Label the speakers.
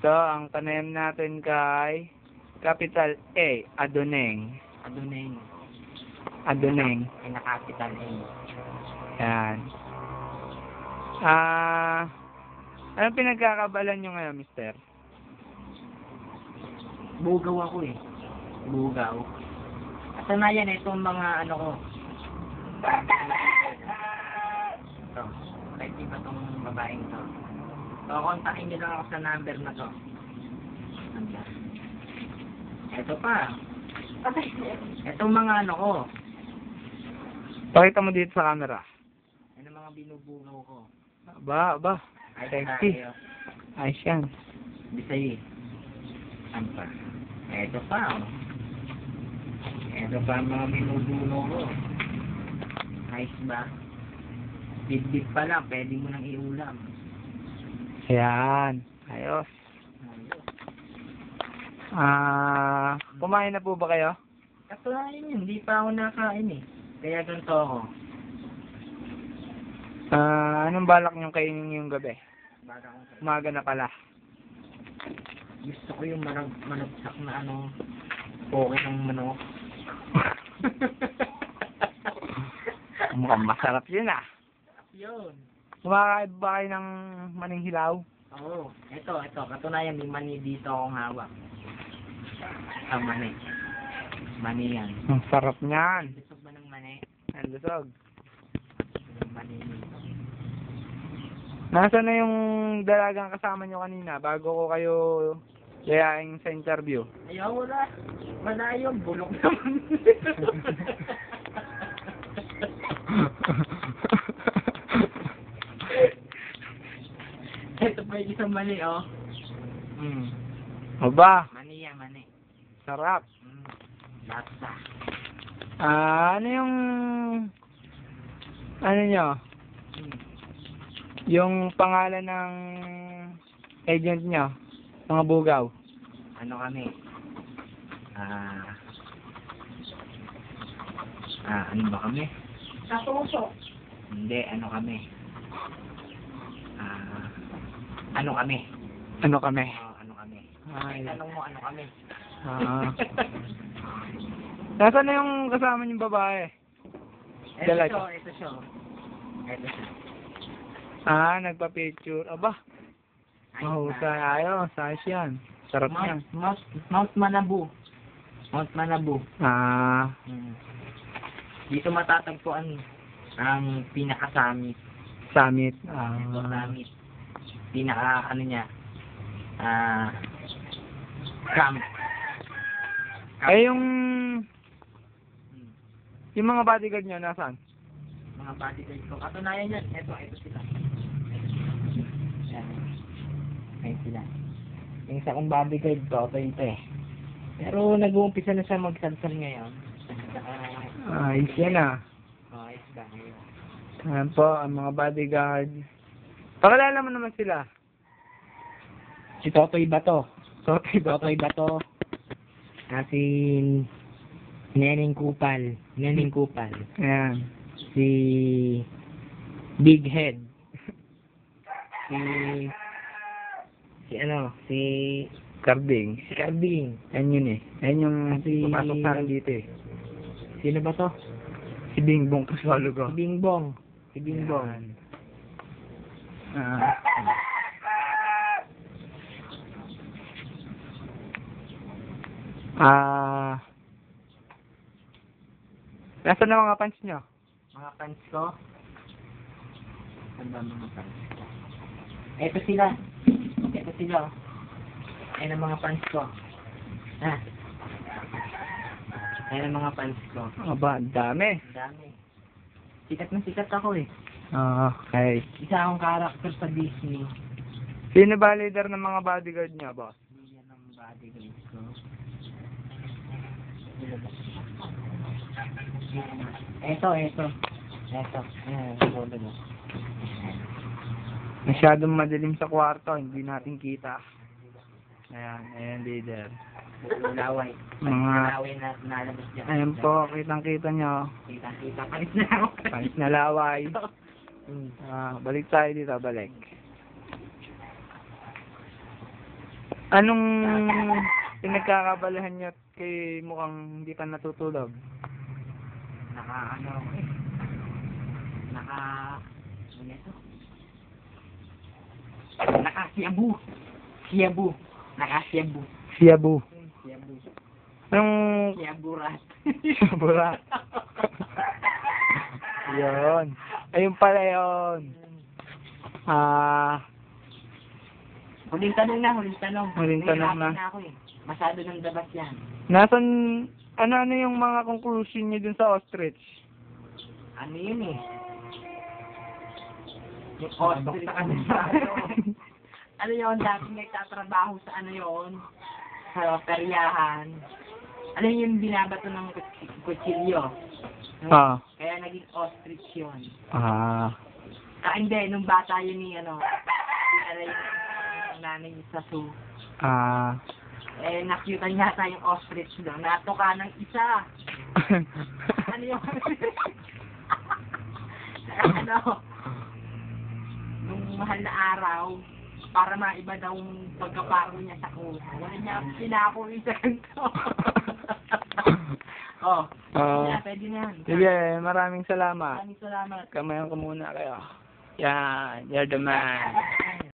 Speaker 1: Ito, ang panayam natin kay Capital A, Adoneng.
Speaker 2: Adoneng.
Speaker 1: Adoneng.
Speaker 2: Ay nakapital A.
Speaker 1: Yan. Anong pinagkakabalan nyo ngayon, mister?
Speaker 2: Bugaw ako eh. Bugaw. At sanayan itong mga ano ko. Ito. Kahit iba tong babaeng to. So, kontakin nyo lang ako sa number na to. Ito pa. Itong mga ano ko.
Speaker 1: Pakita mo dito sa camera.
Speaker 2: Ano mga binubugaw ko.
Speaker 1: Ba,
Speaker 2: Ay,
Speaker 1: sexy.
Speaker 2: tayo.
Speaker 1: Ayos yan.
Speaker 2: Bisay. Ano pa? Ito pa, oh. Ito pa ang mga binubugaw ko. Nice ba? Bit-bit pa lang, pwede mo nang iulam.
Speaker 1: Ayan. Ayos. Kumain na po ba kayo?
Speaker 2: Katunayan yun, hindi pa ako nakain eh. Kaya ganito ako.
Speaker 1: Anong balak niyong kainin ngayong gabi?
Speaker 2: Baka akong kain.
Speaker 1: Umaga na pala.
Speaker 2: Gusto ko yung managsak na ano, poke ng manok.
Speaker 1: Mukhang masarap yun ah.
Speaker 2: Yun.
Speaker 1: Kumakain ba kayo ng maning hilaw?
Speaker 2: Oo. Ito. Katunayan, may mani dito akong hawak. Ang mani. Mani yan.
Speaker 1: Ang sarap niyan.
Speaker 2: Gusto ba ng mani?
Speaker 1: Ang lusog.
Speaker 2: Yung mani nito.
Speaker 1: Nasaan na yung dalagang kasama nyo kanina bago ko kayo yayain sa interview?
Speaker 2: Ayaw, wala. Wala yun. Bulok naman. Ito pa yung isang mani, oh.
Speaker 1: Aba,
Speaker 2: Mani yan, mani.
Speaker 1: sarap.
Speaker 2: Lata.
Speaker 1: Ano yung ano nyo? Yung pangalan ng agent nyo? Mga bugaw?
Speaker 2: Ano kami? Ano ba kami?
Speaker 3: Katuso.
Speaker 2: Hindi, ano kami? Ano kami?
Speaker 1: Ano kami?
Speaker 2: Ano kami?
Speaker 1: Ay.
Speaker 2: Tanong mo, ano kami?
Speaker 1: Nasaan na yung kasama niyong babae? Dalaga.
Speaker 2: Ito siya.
Speaker 1: Nagpa-picture. Aba, mahusay. Ayos, ayos yan. Sarap yan.
Speaker 2: Mount Manabu. Mount Manabu. Dito matatagpuan ang pinaka-summit.
Speaker 1: Summit.
Speaker 2: Summit. Pinaka, ano niya, camp.
Speaker 1: Ay, yung mga bodyguard nyo, nasaan?
Speaker 2: Mga bodyguard ko. Katunayan yan. Ito sila. Ayan sila. Yung isa kong bodyguard ko, ito eh. Pero nag-uumpisa na siya magsalsal ngayon.
Speaker 1: Ayos yan ah.
Speaker 2: Ayos ba ngayon?
Speaker 1: Ayan po, ang mga bodyguard. Pakilala mo naman sila.
Speaker 2: Si Totoy Bato.
Speaker 1: Totoy
Speaker 2: Bato. Si Neneng Kupal.
Speaker 1: Ayan.
Speaker 2: Si Big Head. Si
Speaker 1: Carding. Ayan yun eh. Ayan yung pumasok sa akin dito eh.
Speaker 2: Sino ba to?
Speaker 1: Si Bingbong Kaswalugo.
Speaker 2: Si Bingbong.
Speaker 1: Nasaan na mga pants nyo?
Speaker 2: Mga pants ko. Ano ba mga pants ko? Ito sila. Ayan ang mga pants ko. Ayan ang mga pants ko.
Speaker 1: Aba, ang dami.
Speaker 2: Dami. Sikat na sikat ako eh.
Speaker 1: Okay.
Speaker 2: Isa akong character sa Disney.
Speaker 1: Sino ba leader ng mga bodyguard nyo, boss?
Speaker 2: Yan ang bodyguard ko. Ito. Ayan, tulad mo.
Speaker 1: Masyadong madilim sa kwarto, hindi natin kita. Ayan leader.
Speaker 2: Laway.
Speaker 1: Mga
Speaker 2: Laway na nalabas dyan.
Speaker 1: Ayan po, kitang-kita nyo.
Speaker 2: Kita. Panis na ako.
Speaker 1: Panis na laway. Balik tayo dito, balik. Anong pinagkakabalahan niyo at kay mukhang hindi pa natutulog?
Speaker 2: Ano ako eh. Ano ito? Nakasiyabu. Siyabu. Nakasiyabu.
Speaker 1: Siyabu.
Speaker 2: Siyabu.
Speaker 1: Anong
Speaker 2: Siyaburat.
Speaker 1: Siyaburat? Yun. Ayun pala yun.
Speaker 2: Huling tanong na, huling tanong.
Speaker 1: Huling tanong na.
Speaker 2: Nahihirapan ako eh. Masyado ng dabas yan.
Speaker 1: Nasan, ano yung mga conclusion niyo dun sa ostrich?
Speaker 2: Ano yun eh? Yung ostrich sa kanila. Ano yun, dati nagtatrabaho sa ano yun? Sa peryahan. Ano yung binabato ng kutsilyo?
Speaker 1: Ah.
Speaker 2: Kaya naging ostrich yun.
Speaker 1: Ah.
Speaker 2: Hindi, nung bata yun ni ano, yung nanay sa zoo.
Speaker 1: Ah.
Speaker 2: Eh, nakita niya yata yung ostrich doon. Natuka ng isa. Ano yung... ano? Nung mahal na araw, para maiba daw yung pagkaparo niya sa kuha. Wala niya pinako isa ganito. Oh, pwede na yan.
Speaker 1: Sige, maraming salamat.
Speaker 2: Maraming salamat.
Speaker 1: Kamayan ko muna kayo. Yan, you're the man.